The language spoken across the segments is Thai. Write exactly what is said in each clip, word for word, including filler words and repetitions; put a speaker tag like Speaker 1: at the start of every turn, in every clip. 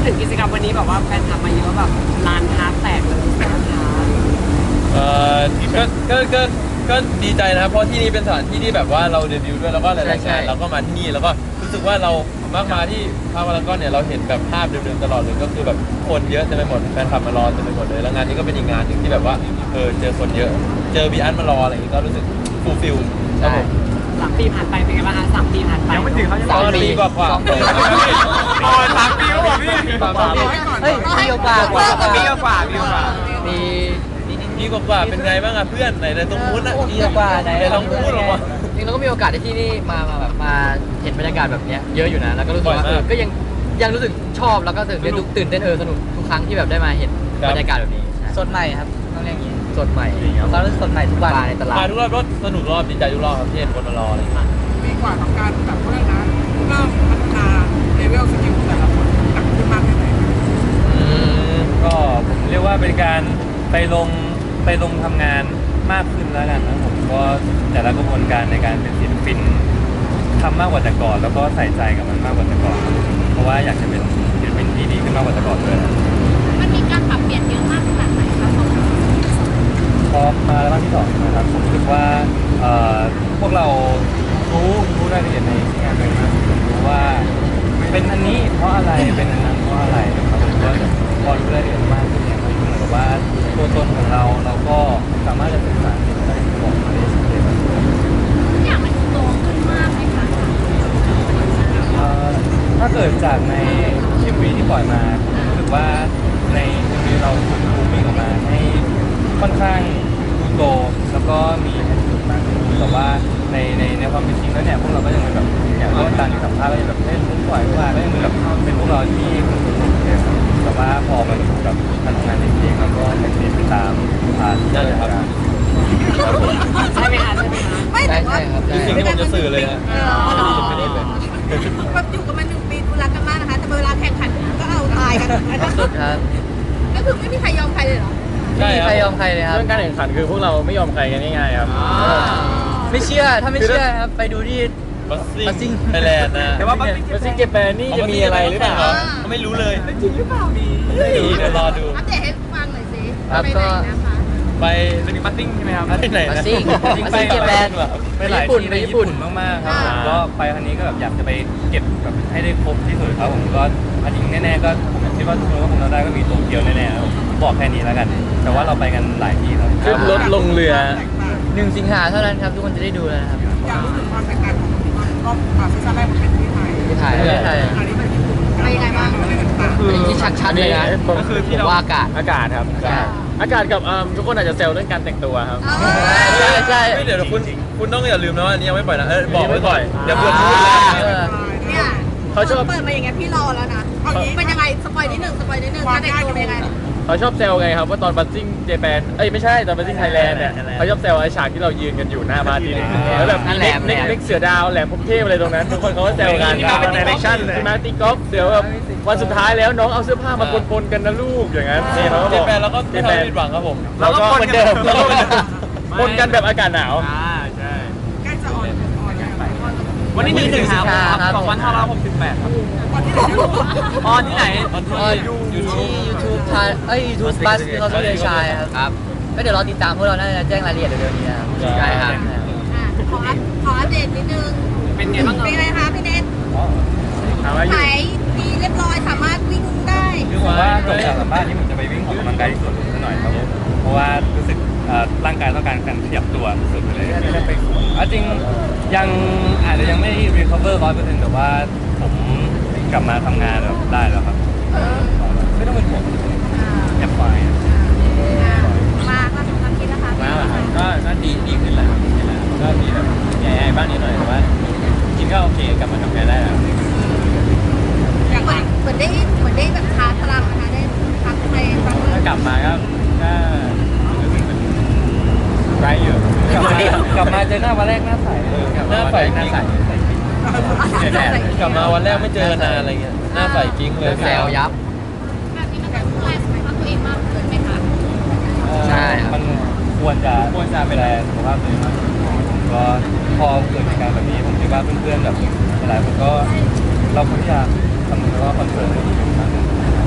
Speaker 1: ถึงกิจกรรมวันนี้แบบว่าแฟนคลับมาเยอะแบบลานฮาร์ดแตกเลยนะคะ
Speaker 2: เอ่อก็ก็ก็ก็ดีใจนะครับเพราะที่นี่เป็นสถานที่ที่แบบว่าเราเดบิวต์ด้วยแล้วก็หลายๆงานเราก็มาที่นี่แล้วก็รู้สึกว่าเรามากมาที่พารากอนเนี่ยเราเห็นแบบภาพเดิมๆตลอดเลยก็คือแบบคนเยอะเต็มไปหมดแฟนคลับมารอเต็มไปหมดเลยแล้วงานนี้ก็เป็นอีกงานหนึ่งที่แบบว่าเออเจอคนเยอะเจอบีอันมารออะไรอย่างงี้ก็รู้สึกฟูลฟิลครับผม
Speaker 1: สามปีผ่านไปเป็นไงบ้างคะสามปีผ่านไป
Speaker 3: ยังไม่ถึงเขายัง
Speaker 2: สามปีกว่ากว่า
Speaker 3: โอ้ยสามปีแล้วเหรอพี่
Speaker 2: สามปี
Speaker 4: เฮ้ยปีกว่ากว่า
Speaker 3: ปีกว่าปีกว่า
Speaker 4: ปี
Speaker 2: ปีกว่าๆเป็นไงบ้างอะเพื่อนไหนในตรงนู้นอะ
Speaker 4: ปีกว่าไหน
Speaker 2: ไหนลองพูดออกมา
Speaker 4: จริงเราก็มีโอกาสที่นี่มามาแบบมาเห็นบรรยากาศแบบเนี้ยเยอะอยู่นะแล้วก็รู้สึกว่า
Speaker 2: บ่อยมาก
Speaker 4: เออก็ยังยังรู้สึกชอบแล้วก็ตื่นเต้นทุกตื่นเต้นเออสนุกทุกครั้งที่แบบได้มาเห็น
Speaker 2: ครับ
Speaker 4: บรรยากาศแบบนี้
Speaker 5: สดใหม่ครับต้องเรียกอย่างนี้
Speaker 4: สดใหม่
Speaker 5: เรารู้สึกสดใหม่ทุกวัน
Speaker 4: มาในตลา
Speaker 2: มา
Speaker 4: ด
Speaker 2: ทุกรอบรถสนุกรอบดีใจทุกรอบครับที่เห็นคนมารออะไรอย่างเงี้ย
Speaker 6: ปีกว่าของการแบบเขาเรียกนะเริ่มพัฒนาเลเวลสกิลแต่ละคนหนักขึ้นมากแค่ไหน
Speaker 2: อืม
Speaker 3: ก็ผมเรียกว่าเป็นการไปลงไปลงทำงานมากขึ้นแล้วกันนะผมก็แต่ละกระบวนการในการเป็นศิลปินทำมากกว่าแต่ก่อน แล้วก็ใส่ใจกับมันมากกว่าแต่ก่อน เพราะว่าอยากจะเป็นศิลปินที่ดีขึ้นมากกว่าแต่ก่อนด้วย
Speaker 7: มันมีการปรับเปลี่ยนเยอะมากขนาดไหนคะของเรา
Speaker 3: พอมาแล้วที่สองนะครับผมรู้สึกว่าเอ่อพวกเรารู้รู้รายละเอียดในงานเลยมากรู้ว่าเป็นอันนี้เพราะอะไรเป็นอันนั้นเพราะอะไรนะครับผมก็พอรู้รายละเอียดมากขึ้นเนี่ยมันเหมือนกับว่าตัวตนของเราเราก็สามารถจะสื่อสารสิ่งที่บอกมาได้ชัดเจน
Speaker 7: ทุกอย่างมันโตขึ้นมากไหมคะ
Speaker 3: เอ่อถ้าเกิดจากใน เอ็ม วี ที่ปล่อยมาผมรู้สึกว่าใน เอ็ม วี เราถูกบูมมิ่งออกมาให้ค่อนข้างดูโตแล้วก็มีให้สุดมากขึ้นแต่ว่าในในในความเป็นจริงแล้วเนี่ยพวกเราก็ยังเป็นแบบอย่างที่ตามที่สัมภาษณ์ก็ยังแบบเล่นมุกปล่อยว่าก็ยังเป็นแบบเป็นพวกเราที่คนสนุกเลยครับแต่ว่าพอมันแบบการทำงานในเพลงแล้วก็เป็นไปตามอ่าที่ได้ครับ
Speaker 1: ใช่ไหมคะใช่ไหมคะ
Speaker 7: ไม่
Speaker 4: ใช่
Speaker 7: แต่ว่า
Speaker 4: ใช่ครับ
Speaker 2: คือสิ่งที่ผมจะสื่อเลยนะไม่ได้เลย
Speaker 7: แบบอยู่กันมาหนึ่งปีดูรักกันมากนะคะ แต่เวลาแข่งขันก็เอาตายกัน
Speaker 4: สุดครับ
Speaker 7: ก็คือไม่มีใครยอมใครเลยเหรอ
Speaker 2: ใช่
Speaker 4: ไม่มี
Speaker 2: ค
Speaker 4: ใครย
Speaker 2: รั
Speaker 4: อบ มใครเลยครับ
Speaker 3: เรื่องการแข่งขันคือพวกเราไม่ยอมใครกันง่ายๆครับ
Speaker 4: ไม่เชื่อถ้าไม่เชื่อครับไปดูที่
Speaker 2: บัส
Speaker 4: บัสซิ่
Speaker 2: ซิ่ง
Speaker 4: ง
Speaker 2: ไทยแลนด์นะ
Speaker 3: แต่ว่าบัสซิ่งเจแปนนี่จะมีอะไรหรือเปล่า
Speaker 2: เขาไม่รู้เลย
Speaker 6: จริงหรือเปล่าดี
Speaker 2: ไม่รู้เดี๋ยวรอดู
Speaker 7: อัปเดตให้ฟังหน่อยสิ
Speaker 4: ครับ
Speaker 7: ไปไหน
Speaker 4: ก็
Speaker 7: นะคะ
Speaker 2: ไป
Speaker 3: จะมีบัสซิ่งใช่ไหมครับ
Speaker 2: ไปไหน
Speaker 4: บั
Speaker 2: นะ
Speaker 4: สซิ่ง
Speaker 2: จริง
Speaker 4: บัส
Speaker 2: ไป
Speaker 4: ซิ่งเจแปน
Speaker 3: ไปหลาย
Speaker 4: ญี่ปุ่น
Speaker 3: ที่
Speaker 4: ไป
Speaker 3: ใน
Speaker 4: ญี่
Speaker 3: ญี่
Speaker 4: ปุ่
Speaker 3: ปุ่
Speaker 4: น
Speaker 3: นมากๆครับผมก็ไปครั้งนี้ก็แบบอยากจะไปเก็บแบบให้ได้ครบที่สุดครับผมก็อันนี้แน่ๆก็ผมคิดว่าทุกคนก็คงเราได้ก็มีโตเกียวแน่ๆครับผมบอกแค่นี้แล้วกัน แต่ว่าเราไปกันหลายที่ครับ
Speaker 4: ขึ้นรถลงเรือ
Speaker 6: แตกต่าง
Speaker 4: หนึ่งสิงหาเท่านั้นครับทุกคนจะได้ดูแล้วนะครับ
Speaker 6: อยากรู้ถึงความแตกต่างของรอบอ่าซีซั่นแรกมันเป็นที่ไทย
Speaker 4: ที่ไทยที่ไทย
Speaker 6: อันนี้เป็นญี่ปุ่น
Speaker 7: ไปยังไงบ้าง
Speaker 6: อะไรต่าง
Speaker 4: อันนี้ที่ชัดๆเลยนะ
Speaker 3: ก็คือที่
Speaker 4: ผม
Speaker 3: เรา
Speaker 4: ว่าอากาศ
Speaker 3: อากาศครับ
Speaker 4: ใช่
Speaker 3: อากาศกับเอิ่มทุกคนอาจจะเซลเรื่องการแต่งตัวครับ
Speaker 4: ใช่ใช่
Speaker 2: เฮ้ยเดี๋ยวคุณคุณต้องอย่าลืมนะว่าอันนี้ยังไม่ปล่อยนะเออบอกไว้ก่อนเดี๋ยวเพื่อนพูด
Speaker 4: อ่า
Speaker 2: เลย
Speaker 4: เออ
Speaker 7: เนี่ย
Speaker 3: เขาชอบ
Speaker 7: เปิดมาอย่างเงี้ยพี่รอแล้วนะเอางี้เป็นยังไงสปอยนิดหนึ่งสปอยนิดหนึ่งการแต่งตัวเป็นยังไง
Speaker 3: เขาชอบเซลไงครับว่าตอนบัสซิ่งเจแปนเอ้ยไม่ใช่ตอนบัสซิ่งไทยแลนด์เนี่ยเขาชอบเซลไอ้ฉากที่เรายืนกันอยู่หน้าบ้านทีนึงแล้วแบบ
Speaker 4: นั่
Speaker 3: มี
Speaker 4: นแห
Speaker 3: เล็
Speaker 4: ละ
Speaker 3: กเล็กเล็กเสือดาวแหลมพรหมเทพอะไรตรงนั้นทุกคนเขาก็เซลกัน
Speaker 2: ที่มาเป็น direction เลย
Speaker 3: ที่มาตีกอล์ฟเดี๋ยวแบบวันสุดท้ายแล้วน้องเอาเสื้อผ้ามาปนๆกันนะลูกอย่างนั้นนี่เขาก็
Speaker 2: เจ
Speaker 3: บอก
Speaker 2: แปนแล้วก็
Speaker 3: เจ
Speaker 2: ไม่
Speaker 3: แปน
Speaker 2: ทำผิดหวังครับผม
Speaker 3: เราก็เหมือนเดิมเราก็เหมือนเดิมปนกันแบบอากาศหนาว
Speaker 6: ๆใกล้จะออนออนแล้ว
Speaker 4: วันนี้หนึ่งสิงหาครับ
Speaker 3: สองพันห้าร้อยหกสิบแปดครับ
Speaker 6: วันที่ไหนนะลูก
Speaker 3: ออนที่ไหน
Speaker 2: ออน
Speaker 4: เออ
Speaker 2: ที่
Speaker 4: อยู่ที่ YouTube ทานเอ้ย YouTube Bus ที่เขาเรียกชายครับครับก็เดี๋ยวรอติดตามพวกเราน่าจะแจ้งรายละเอียดเร็วๆนี้นะครับใช่ครับ
Speaker 7: อ่ะขออัปขออัปเดตนิดนึง
Speaker 1: เป็นไงบ้าง
Speaker 7: เป็นไงคะพี่เนท
Speaker 3: ถามว่าอยู่
Speaker 7: ไหนดีเรียบร้อยสามารถวิ่งได้
Speaker 3: คือผมว่าจบจากสัมภาษณ์นี้ผมจะไปวิ่งออกกำลังกายที่สวนลุมซะหน่อยครับผมเพราะว่ารู้สึกเอ่อร่างกายต้องการการขยับตัวสุดๆเลยไม่ได้ไปสวนอ่ะจริงยังอาจจะยังไม่ recover ร้อยเปอร์เซ็นต์แต่ว่าผมกลับมาทำงานแบบได้แล้วครับไม่ต้องเป็นห่วงอยากไปอ่ะ
Speaker 7: อ่ะมาก็สำคัญคิดนะคะ
Speaker 3: มาแล้วครับก็ก็ดีดีขึ้นแล้วดีขึ้นแล้วก็มีแบบใหญ่ๆบ้างนิดหน่อยแต่ว่ากินก็โอเคกลับมาทำงานได้แล้ว
Speaker 7: อย่างเหมือนเหมือนได้เหมือนได้แบบชาร์จพลังนะคะได้พักในบางเรื่
Speaker 3: ถ้า
Speaker 7: อง
Speaker 3: กลับมาก็ก็รู้สึกเป็นไรอยู่กลับมากลับมาเจอหน้าวันแรกหน้าใส
Speaker 2: หน้าใส
Speaker 3: หน้าใส
Speaker 2: กิ๊กกลับมาวันแรกไม่เจอกันนานอะไรเงี้ยหน้าใสกิ๊งเลย
Speaker 4: แซวยับ
Speaker 7: แบบนี้มันจะดูแลสุขภาพตัวเองมากขึ้นไหมคะ
Speaker 4: ใช่ครับ
Speaker 3: มันควรจะควรจะเป็นแรงสุขภาพตัวเองมากผมก็พอเกิดเหตุการณ์แบบนี้ผมคิดว่าเพื่อนๆแบบหลายคนก็เราควรที่จะทำแล้วก็คอนเซิร์นให้ดีมากขึ้น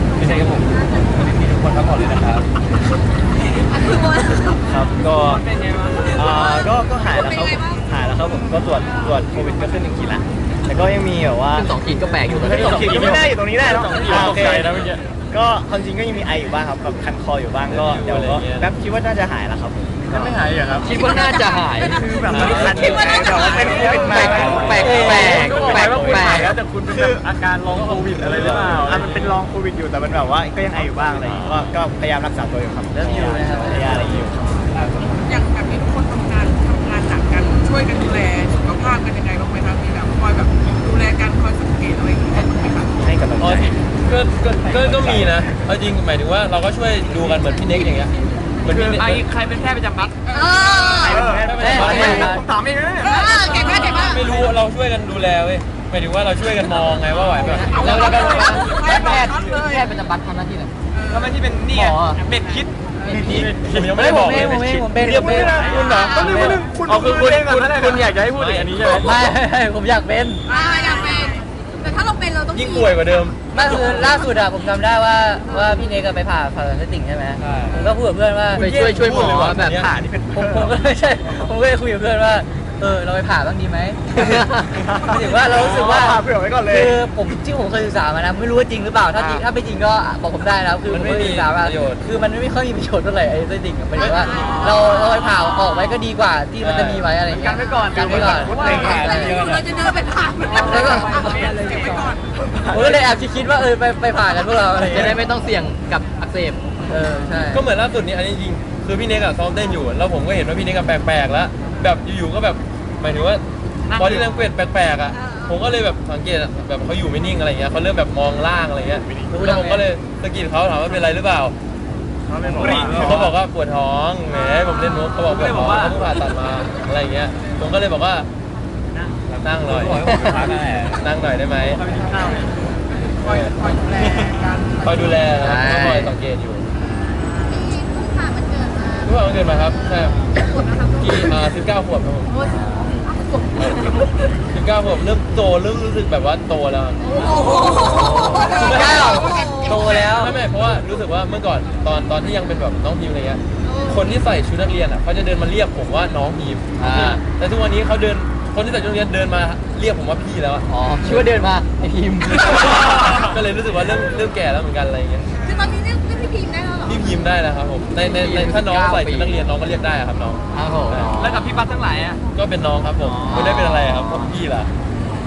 Speaker 8: ครับก็
Speaker 1: เป็นไงบ้าง
Speaker 8: อ่าก็ก็หายแล้วครับ
Speaker 7: เป็นไงบ้าง
Speaker 8: หายแล้วครับผมก็ตรวจตรวจโควิดก็ขึ้นหนึ่งขีดละแต่ก็ยังมีแบบว่า
Speaker 4: ขึ้นสองขีดก็แปลกอยู่ตอน
Speaker 8: ขึ้น
Speaker 4: นี้
Speaker 8: สองขีดก็ไม่ได้อยู่ตรงนี้ได้เนาะอ่าโอเค
Speaker 2: ตกใจนะเมื่อกี้
Speaker 8: ก็ความจริงก็ยังมีไออยู่บ้างครับกับคันคออยู่บ้างก็เดี๋ยวก็แป๊บคิดว่าน่าจะหายแล้วครับ
Speaker 2: ยังไม่หายเหรอครับ
Speaker 4: คิดว่าน่าจะหาย
Speaker 8: คือแบบมันคันอยู่ไงแต่ว่าเป็นโควิดมา
Speaker 4: แปลกแปลกแปลก
Speaker 2: ก็บอก
Speaker 4: แปล
Speaker 2: ว่าก คุณหาย
Speaker 4: แปล
Speaker 2: แล้ว
Speaker 4: ก
Speaker 2: แต่คุณเป็นแบบอาการลองโควิดอะไรหรือเปล่า
Speaker 8: อ่ะมันเป็นลองโควิดอยู่แต่มันแบบว่าก็ยังไออยู่บ้างอะไรอย่างงี้ก็ก็พยายามรักษาตัวอยู่ครับ
Speaker 4: เริ่มอยู่นะครับ
Speaker 8: พยายามอะไรอยู่ครับ
Speaker 6: อย่างแบบนี้ทุกคนทำงานทำงานหนักกันช่วยกันดูแลสุขภาพกันยังไงบ้างไหมครับมีแบบคอยแบบดูแลกันคอยสังเกตอะไรอย่างเงี้ยบ้างไหมครับ
Speaker 8: ให้กำลัง
Speaker 2: อ๋อ
Speaker 8: ใจ
Speaker 2: ก็ก็ก็ก็มีนะเอาจริงหมายถึงว่าเราก็ช่วยดูกันเหมือนพี่เน็กอย่างเงี้ยเหมือนพี่เน็ก
Speaker 1: ไอ้ใครเป็นแพทย์ประจำบัตร
Speaker 7: เออ
Speaker 2: ไม่ได้ไม่ได้
Speaker 1: ผมถามเองนะ
Speaker 7: เออเก่งมากเก่งมาก
Speaker 2: ไม่รู้เราช่วยกันดูแลเว้ยหมายถึงว่าเราช่วยกันมองไงว่าไหวแบบ
Speaker 4: แล้วแล้วแล้วแพทย์แพทย์ประจำบัตรทำหน้าที่อะไร
Speaker 1: แล้วมันที่เป็นนี่
Speaker 4: หมอ
Speaker 1: เบ็ดคิด
Speaker 2: ผมยังไม่ได้บอก
Speaker 4: ผม
Speaker 2: เล
Speaker 4: เอย งผมเองผมเป็น
Speaker 2: เรียกคุณนะคุณเหรอ
Speaker 1: ต้องนึกว่านึงคุณ
Speaker 2: อ๋อคือคุณ
Speaker 1: เล่นก่อน
Speaker 2: คุณ
Speaker 1: ก็ได้
Speaker 2: คุณอยากจะให้พูดถึงอันนี้ใช่ไหม
Speaker 4: ไม่ผมอยากเป็น
Speaker 7: อ่าอยากเป็นแต่ถ้าเราเป็นเราต้อง
Speaker 2: ยิ่งป่วยกว่าเดิม
Speaker 4: ไม่คือล่าสุดอะผมจำได้ว่าว่าพี่เนกอะไปผ่าผ่าตัดไส้ติ่งใช่ไหม
Speaker 2: ใช่
Speaker 4: ผมก็พูดกับเพื่อนว่า
Speaker 2: ไปช่วยช่วยหมอแบบ
Speaker 8: ผ่านี่เป็น
Speaker 4: ผมผมก็ไม่ใช่ ผมก็เลยคุยกับเพื่อนว่า เออ เราไปผ่าบ้างดีไหมหมายถึงว่าเรารู้สึกว่า
Speaker 8: ผ่าเผื่อไว้ก่อนเลย
Speaker 4: คือผมที่ผมเคยศึกษามานะ ไม่รู้ว่าจริงหรือเปล่า ถ้าจริงถ้าไม่จริงก็บอกผมได้นะคือ
Speaker 2: มันไม่
Speaker 4: ผเคยศึกษามา
Speaker 2: มีประโยชน์
Speaker 4: คือมันไม่ค่อยมีประโยชน์เท่าไหร่ไอ้ไส้ติ่งอะหมายถึงว่า เราเราไปผ่าออกไว้ก็ดีกว่าที่มันจะมีไว้อะไรอย่างเงี้ย
Speaker 1: กันไว้ก่อน
Speaker 4: กันไว้ก่อน
Speaker 8: เด็กผ่า
Speaker 7: เรา
Speaker 8: เยอะ
Speaker 7: เรา
Speaker 8: นะ
Speaker 7: จะเดินไปผ่าน
Speaker 4: แล้วก็
Speaker 6: เก็บไว้ก่อน
Speaker 4: ผมก็เลยแอบคิดว่าเออไปไปผ่ากันพวกเราอะไรอย่าง
Speaker 5: จะ
Speaker 4: เงี้ย
Speaker 5: ได้ไม่ต้องเสี่ยงกับอักเสบ
Speaker 4: เออใช่
Speaker 2: ก็เหมือนล่าสุดนี้อันนี้จริงคือพี่เน็กอะซ้อมเต้นอยู่แล้วผมก็เห็นว่าพี่เน็กอะแปลกๆแล้วแบบอยู่ๆก็แบบหมายถึงว่าบอดี้แลงเกจแปลกๆอะผมก็เลยแบบสังเกตอะแบบเขาอยู่ไม่นิ่งอะไรเงี้ยเขาเริ่มแบบมองล่างอะไรเงี้ยแล้วผมก็เลยสะกิดเขาถามว่าเป็นไรหรือเปล่าเขาบอกว่าปวดท้องแหมผมเล่นมุกเขาบอกปวดท้องเขาเพิ่งผ่าตัดมาอะไรเงี้ยผมก็เลยบอกว่านั่งหน่อยนั่งหน่อยได้ไหม
Speaker 6: คอยคอยดูแลกัน
Speaker 2: คอยดูแลนะครับก็คอยสังเกตอยู่
Speaker 7: มีผู้ผ่ามันเกิดมา
Speaker 2: ทุกคนเกิดมาครับใช่ครับ
Speaker 7: ปวดนะครับ
Speaker 2: กี่อ่าสิบเก้าขวบครับผม
Speaker 7: โอ้ย
Speaker 2: สิบเก้าขวบเริ่มโตเริ่มรู้สึกแบบว่าโตแล้วครับ
Speaker 7: โอ้โห
Speaker 4: สิบเก้าโตแล้ว
Speaker 2: ไม่ไม่เพราะว่ารู้สึกว่าเมื่อก่อนตอนตอนที่ยังเป็นแบบน้องพิมอะไรเงี้ยคนที่ใส่ชุดนักเรียนอ่ะเขาจะเดินมาเรียกผมว่าน้องพิม
Speaker 4: อ่า
Speaker 2: แต่ทุกวันนี้เขาเดินคนที่ใส่ชุดนักเรียนเดินมาเรียกผมว่าพี่แล้วอะ
Speaker 4: อ๋อคิดว่าเดินมาไอพิมพ์
Speaker 2: ก็เลยรู้สึกว่าเริ่มเริ่มแก่แล้วเหมือนกันอะไรเงี้ย
Speaker 7: คือตอนนี้เรียกเรียกพี่พิมพ์ได้แล้วเหรอ
Speaker 2: พี่พิมได้แล้วครับผมในในในถ้าน้องใส่ชุดนักเรียนน้องก็เรียกได้อะครับน้อง
Speaker 4: ครับผม
Speaker 1: แล้วกับพี่บัตทั้งหลายอ่ะ
Speaker 2: ก็เป็นน้องครับผมไม่ได้เป็นอะไรครับผมพี่ล่ะ